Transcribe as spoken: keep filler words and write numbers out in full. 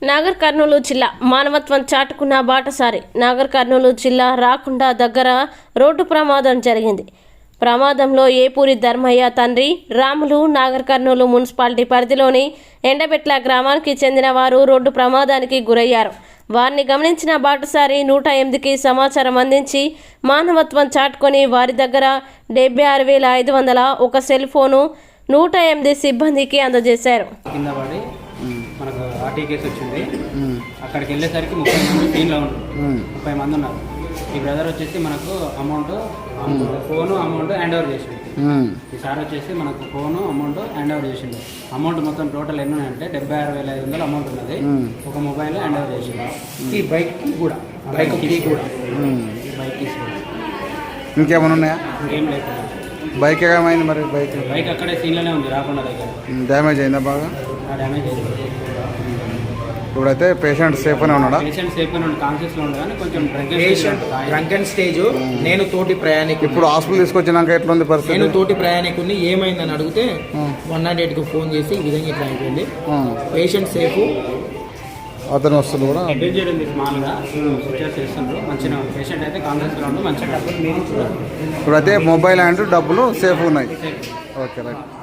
నాగర్ కర్నూలు జిల్లా మానవత్వం చాటుకున్న బాటసారి నాగర్ కర్నూలు జిల్లా రాకుండా దగ్గర రోడ్డు ప్రమాదం జరిగింది. ప్రమాదంలో ఏపూరి ధర్మయ్య తండ్రి రాములు నాగర్ కర్నూలు మున్సిపాలిటీ పరిధిలోని ఎండబెట్ల గ్రామానికి చెందిన వారు రోడ్డు ప్రమాదానికి గురయ్యారు. వారిని గమనించిన బాటసారి నూట ఎనిమిదికి సమాచారం అందించి మానవత్వం చాటుకొని వారి దగ్గర డెబ్బై ఆరు వేల ఐదు వందల ఒక సెల్ ఫోను నూట ఎనిమిది సిబ్బందికి అందజేశారు. మనకు ఆర్టీ కేసు వచ్చింది. అక్కడికి వెళ్ళేసరికి ముప్పై మంది టీంలో ముప్పై మంది ఉన్నారు. ఈ బ్రదర్ వచ్చేసి మనకు amount phone amount hand over చేసిండు. ఈ సార్ వచ్చేసి మనకు ఫోను అమౌంట్ హ్యాండ్ ఓవర్ చేసిండు. అమౌంట్ మొత్తం టోటల్ ఎన్ని ఉన్నాయంటే డెబ్బై ఆరు వేల ఐదు వందలు అమౌంట్ ఉన్నది. ఒక మొబైల్ హ్యాండ్ ఓవర్ చేసిండు. ఈ బైక్ కూడా బైక్ కూడా ఈ బైక్ ఇంకేమైనా ఉన్నాయా? ఇంకేం లేదు. బైక్ ఏమైంది మరి? బైక్ బైక్ అక్కడే సీన్లోనే ఉంది, రాకుండా దగ్గర డ్యామేజ్ అయిందా? బాగా డ్యామేజ్ అయింది. ఇప్పుడైతే పేషెంట్ సేఫ్గానే ఉన్నాడా? పేషెంట్ సేఫ్గానే ఉంది, కాన్షియస్లో ఉంది, కానీ కొంచెం పేషెంట్ డ్రంకెన్ స్టేజ్. నేను తోటి ప్రయాణికుడు ఇప్పుడు హాస్పిటల్ తీసుకొచ్చినాక ఎట్లుంది పరిస్థితి? నేను తోటి ప్రయాణికుడిని ఏమైందని అడిగితే వన్ నాట్ ఎయిట్కి ఫోన్ చేసి ఈ విధంగా ఇట్లా అయిపోయింది. పేషెంట్ సేఫ్, అతను వస్తుంది కూడా డేంజర్ ఉంది. స్మాల్గా స్విచర్ చేస్తుండ్రు, మంచిగా పేషెంట్ అయితే కాన్షియస్లో ఉండి మంచిగా. ఇప్పుడైతే మొబైల్ అండ్ డబ్బులు సేఫ్ ఉన్నాయి. Okay right.